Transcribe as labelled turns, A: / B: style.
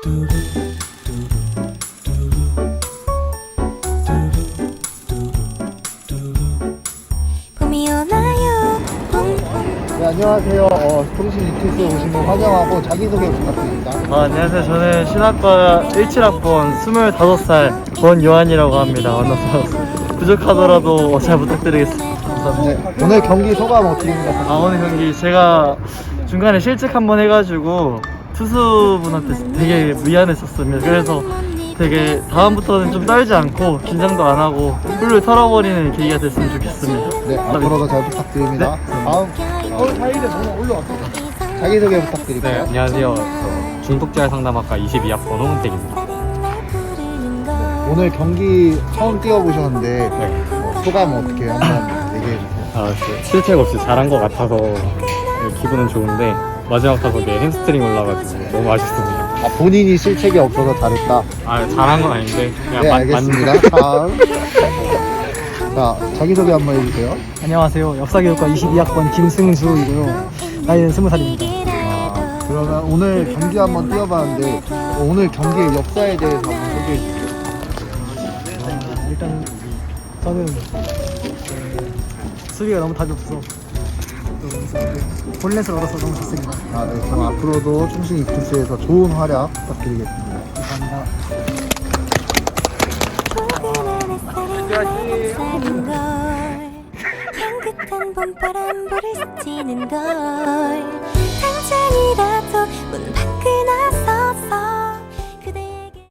A: 봄이 오나요?
B: 네, 안녕하세요. 통신 이티스 오신 분 환영하고 자기소개 부탁드립니다.
C: 안녕하세요. 저는 신학과 17학번 25살 권요한이라고 합니다. 만나서 부족하더라도 잘 부탁드리겠습니다. 감사합니다.
B: 네, 오늘 경기 소감 어떻게 생각하세요?
C: 오늘 경기 제가 중간에 실책 한번 해가지고 투수분한테 되게 미안했었습니다. 그래서 되게 다음부터는 좀 떨지 않고 긴장도 안 하고 훌훌 털어버리는 계기가 됐으면 좋겠습니다.
B: 네, 앞으로도 잘 부탁드립니다. 다음, 자기소개
D: 네,
B: 부탁드릴게요.
D: 안녕하세요. 저 중독재활 상담학과 22학번 홍은택입니다.
B: 오늘 경기 처음 뛰어보셨는데
D: 네.
B: 소감 어떻게 한번 얘기해주세요.
D: 실책 없이 잘한 것 같아서 기분은 좋은데 마지막 타석에 햄스트링 올라가지고 너무 아쉽습니다.
B: 본인이 실책이 없어서 잘했다.
D: 잘한 건 아닌데 그냥
B: 네, 알겠습니다. 다음. 자, 자기소개 한번 해주세요.
E: 안녕하세요. 역사교육과 22학번 김승주이고요. 나이는 20살입니다.
B: 그러면 오늘 경기 한번 뛰어봤는데 오늘 경기의 역사에 대해서 한번 소개해 주세요.
E: 일단 저는 수비가 너무 답이 없어. 볼넷을 얻어서 너무 좋습니다.
B: 네, 그럼 앞으로도 충신 이투스에서 좋은 활약 부탁드리겠습니다.
E: 감사합니다.
A: 향긋한 봄바람 볼을 스치는 걸 당장이라도 문 밖을 나서서